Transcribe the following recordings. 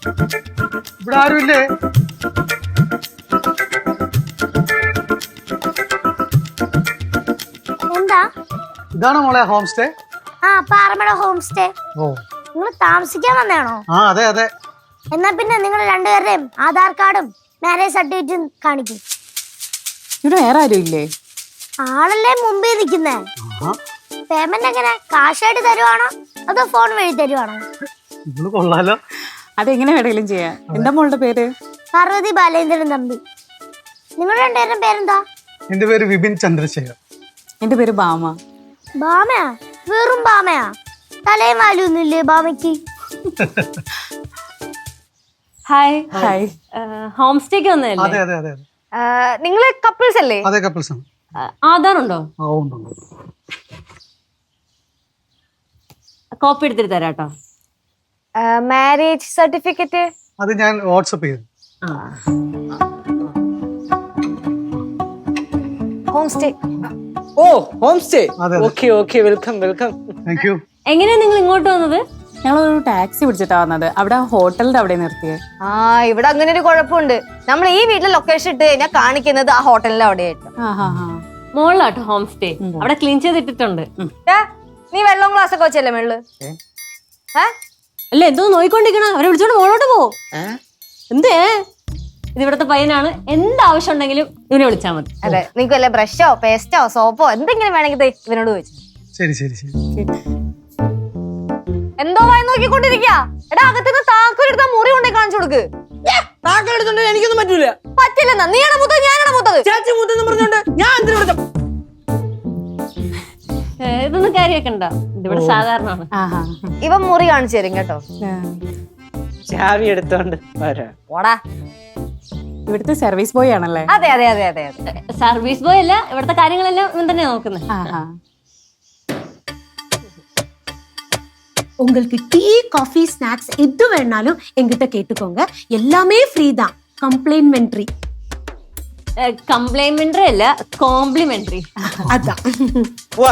ഇവിടെ ആരുമില്ലേ? എന്താ? ഇതാണോ മോളെ ഹോം സ്റ്റേ? ആ, പാറമട ഹോം സ്റ്റേ. ഓ, നിങ്ങൾ താമസിക്കാൻ വന്നതാണോ? ആ അതെ അതെ. എന്നാ പിന്നെ നിങ്ങൾ രണ്ടുപേരുടെയും ആധാർ കാർഡും മാരേജ് സർട്ടിഫിക്കറ്റും കാണിക്കും. ഇവിടെ വേറെ ആരും ഇല്ലേ? ആളല്ലേ മുമ്പിൽ നിൽക്കുന്നേ. പേയ്മെന്റ് എങ്ങനെ, കാശായിട്ട് തരുവാണോ അതോ ഫോൺ വഴി തരുവാണോ? ഇവള് കൊള്ളാലോ. അതെങ്ങനെ വേണമെങ്കിലും ചെയ്യാം. എന്താ മോളുടെ പേര്? പാർവതി ബാലേന്ദ്രൻ തമ്പി. നിങ്ങളുടെ രണ്ടുപേരും പേരെന്താ? എന്റെ പേര് വിപിൻ ചന്ദ്രശേഖർ. എന്റെ പേര് ബാമ. ബാമയാ? വെറും ബാമയാ? തലയും വാലൊന്നുമില്ലേ ബാമയ്ക്ക്? ഹായ്. ഹായ്. ഹോം സ്റ്റേക്ക് വന്നതല്ലേ? അതെ അതെ അതെ. നിങ്ങള് കപ്പിൾസ് അല്ലേ? അതെ കപ്പിൾസ് ആണ്. ആധാർ ഉണ്ടോ? ആ ഉണ്ട് ഉണ്ട്. കോപ്പി എടുത്തിട്ട് തരാട്ടോ. മാരേജ് സർട്ടിഫിക്കറ്റ് അത് ഞാൻ വാട്സപ്പ് ചെയ്തു. Home stay. ഓ ഹോം സ്റ്റേ. അതെ, അതെ. Okay okay, welcome welcome. Thank you. എങ്ങനെയാ നിങ്ങൾ ഇങ്ങോട്ട് വന്നത്? ഞങ്ങളൊരു ടാക്സി പിടിച്ചിട്ടാ വന്നത്. അവിടെ ഹോട്ടലിന്റെ അവിടെ നിർത്തിയേ. ആ, ഇവിടെ അങ്ങനെ ഒരു കുഴപ്പമുണ്ട്. നമ്മൾ ഈ വീട്ടിലെ ലൊക്കേഷൻ ഇട്ട് കഴിഞ്ഞാൽ കാണിക്കുന്നത് ആ ഹോട്ടലിന്റെ അവിടെയായിട്ട്. മോളിലാട്ടോ ഹോം സ്റ്റേ. അവിടെ ക്ലീൻ ചെയ്തിട്ടിട്ടുണ്ട്. നീ വെള്ളം ഗ്ലാസ് ഒക്കെ വെച്ചല്ലേ മേള്? അല്ല, എന്തോ നോയിക്കൊണ്ടിരിക്കണ, അവരെ വിളിച്ചോണ്ട് മോളോട്ട് പോ. എന്തേ? ഇത് ഇവിടത്തെ പയ്യനാണ്. എന്താവശ്യം ഉണ്ടെങ്കിലും ഇവനെ വിളിച്ചാൽ മതി. അതെ, നിനക്ക് വല്ല ബ്രഷോ പേസ്റ്റോ സോപ്പോ എന്തെങ്കിലും വേണമെങ്കിൽ ഇവനോട് ചോദിച്ചു. ശരി ശരി ശരി. എന്തോ വായി നോക്കിക്കൊണ്ടിരിക്കാ. എടാ, അകത്തുനിന്ന് താക്കോലെടുത്ത മുറി കൊണ്ടേ കാണിച്ചു കൊടുക്ക്. താക്കളെടുത്തോണ്ട് എനിക്കൊന്നും പറ്റൂല. പറ്റില്ലെന്നാ? നീയാണോ മൂത്തത് ഞാനാണോ മൂത്തത്? ചാച്ചി മൂത്തെന്ന് പറഞ്ഞോണ്ട് ഞാൻ എന്തിനു വിളിച്ചു? ഇതൊന്നും കാര്യമാക്കണ്ട, ഇതിവിടെ സാധാരണമാണ്. ഇവൻ മുറി കാണിച്ചു തരും കേട്ടോ. ചാവി എടുത്തോണ്ട് വരാം. ഓടാ. ഇവിടുത്തെ സർവീസ് ബോയ് ആണല്ലേ? അതെ അതെ അതെ അതെ അതെ. സർവീസ് ബോയ് അല്ല, ഇവിടുത്തെ കാര്യങ്ങളെല്ലാം ഇവൻ തന്നെയാ നോക്കുന്നത്. உங்களுக்கு டீ காஃபி ஸ்நாக்ஸ் எது வேணாலும் எங்கிட்ட கேட்டுக்கோங்க. எல்லாமே ஃப்ரீ தான். கம்ப்ளிமெண்டரி. കംപ്ലിമെന്ററി അല്ല, കോംപ്ലിമെന്ററി. அதான். പോവാ.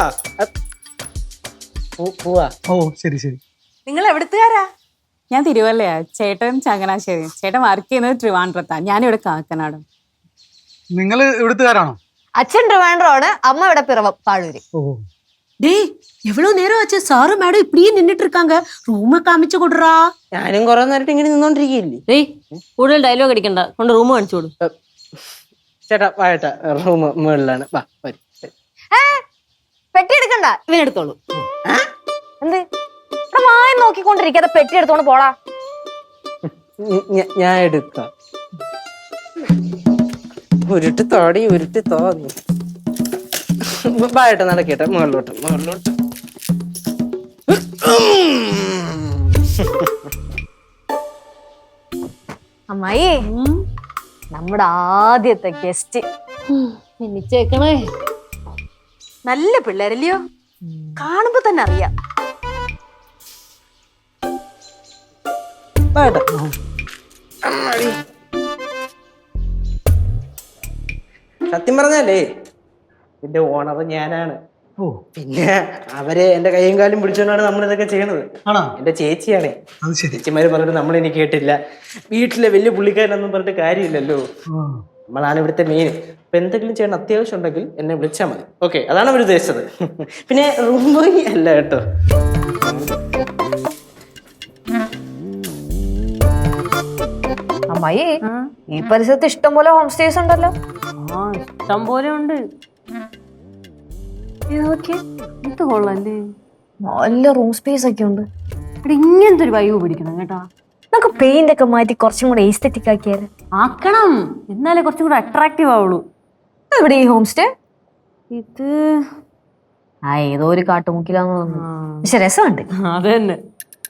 പോവാ. ഓ ശരി ശരി. നിങ്ങൾ എവിടുത്തുകാരാ? ഞാൻ തിരുവല്ലയാ. ചേട്ടൻ ചങ്ങനാശ്ശേരി. ചേട്ടൻ വർക്ക് ചെയ്യുന്നത് ട്രിവാൻഡ്രത്താ. ഞാനിവിടെ കാക്കനാട്. നിങ്ങൾ ഇവിടുത്തുകാരാണോ? അച്ഛൻ ട്രിവാൻഡ്രമാണ്, അമ്മ ഇവിടെ പിറവം പാഴൂര്. ഓ, டேய், எவ்வளவு நேரம் ஆச்சு? சாரு மேடம் இப்படியே நின்னுட்டு இருக்காங்க. ரூம காமிச்சு கொடுறா. ഞാനും കുറെ നേരത്തെ ഇങ്ങനെ നിന്നോണ്ടിരിക്കില്ലേ. കൂടുതൽ ഡയലോഗ് അടിക്കണ്ട, കൊണ്ട് റൂം കാണിച്ചു കൊടു. ചേട്ടാ വായട്ടാ, റൂം മുകളിലാണ്. വാ വരും. പെട്ടി എടുക്കണ്ട, ഇവനെടുത്തോളൂ. എന്ത് മായി നോക്കിക്കൊണ്ടിരിക്കാതെ പെട്ടി എടുത്തോണ്ട് പോടാ. ഞാൻ എടുക്കാം. ഉരുട്ട് തോടി ഉരുട്ടി തോന്നി. വായട്ടെ, നടക്കട്ടെ. മുകളിലോട്ട് മുകളിലോട്ട്. അമ്മായി, നമ്മുടെ ആദ്യത്തെ ഗസ്റ്റ്. മിന്നിച്ചേക്കണേ. നല്ല പിള്ളേരല്ലയോ? കാണുമ്പോ തന്നെ അറിയാം. വായട്ടെ. സത്യം പറഞ്ഞാലേ ഇതിന്റെ ഓണർ ഞാനാണ്. ഓ, പിന്നെ അവരെ എന്റെ കൈയും കാലും പിടിച്ചോണ്ടാണ് നമ്മൾ ഇതൊക്കെ ചെയ്യണത്. ആണോ? എന്റെ ചേച്ചിയാണേ. അത് ശരി. ചേച്ചിമാര് പറഞ്ഞിട്ട് നമ്മൾ ഇനി കേട്ടില്ല. വീട്ടിലെ വലിയ പുള്ളിക്കാരനൊന്നും പറഞ്ഞിട്ട് കാര്യമില്ലല്ലോ. നമ്മളാണ് ഇവിടുത്തെ മെയിൻ. അപ്പൊ എന്തെങ്കിലും ചെയ്യണം അത്യാവശ്യം ഉണ്ടെങ്കിൽ എന്നെ വിളിച്ചാൽ മതി. ഓക്കെ, അതാണ് അവർ ഉദ്ദേശിച്ചത്. പിന്നെ റൂം ബോയ് അല്ല കേട്ടോ. അമ്മായി, ഈ പരിസരത്ത് ഇഷ്ടം പോലെ ഹോം സ്റ്റേസ് ഉണ്ടല്ലോ. ഇഷ്ടം പോലെ ഉണ്ട്. ഇത് കൊള്ളല്ലേ? നല്ല റൂം സ്പേസ് ഒക്കെ ഉണ്ട്. ഇവിടെ ഇങ്ങനത്തെ ഒരു വൈബ് പിടിക്കണം കേട്ടാ. നമുക്ക് പെയിന്റ് ഒക്കെ മാറ്റി കുറച്ചും കൂടെ എസ്തെറ്റിക് ആക്കിയാല്. ആക്കണം, എന്നാലേ കുറച്ചും കൂടെ അട്രാക്റ്റീവ് ആവുള്ളൂ. ഇവിടെ ഈ ഹോം സ്റ്റേ ഇത് ഏതോ ഒരു കാട്ടുമുക്കിലാന്ന് തോന്നുന്നു. പക്ഷെ രസമുണ്ട്. അത് തന്നെ.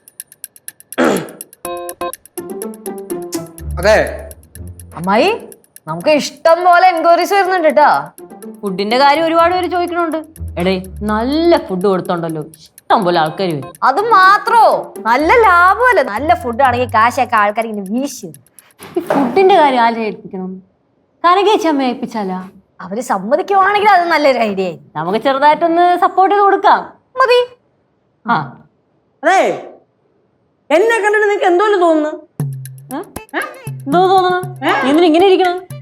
അതെ അമ്മായി, നമുക്ക് ഇഷ്ടം പോലെ എൻക്വയറീസ് വരുന്നുണ്ട് കേട്ടാ. ഫുഡിന്റെ കാര്യം ഒരുപാട് പേര് ചോദിക്കണുണ്ട്. എടേ, നല്ല ഫുഡ് കൊടുത്തോണ്ടല്ലോ ഇഷ്ടം പോലെ ആൾക്കാർ വരും. അത് മാത്രോ, നല്ല ലാഭമല്ലേ. നല്ല ഫുഡ് ആണെങ്കിൽ കാശൊക്കെ ആൾക്കാർ ഇങ്ങനെ വീശി. ഈ ഫുഡിന്റെ കാര്യം ആരെ ഏൽപ്പിക്കണം? കരകേച്ചമ്മ ഏൽപ്പിച്ചാലാ? അവര് സമ്മതിക്കുവാണെങ്കിൽ അത് നല്ലൊരു ഐഡിയ ആയി. നമുക്ക് ചെറുതായിട്ടൊന്ന് സപ്പോർട്ട് ചെയ്ത് കൊടുക്കാം. മതി. അതെ, എന്നെ കണ്ടിട്ട് നിനക്ക് എന്തോലും തോന്നുന്നു? എന്തോ തോന്നണ നീ എന്തിനാ ഇങ്ങനെ ഇരിക്കണം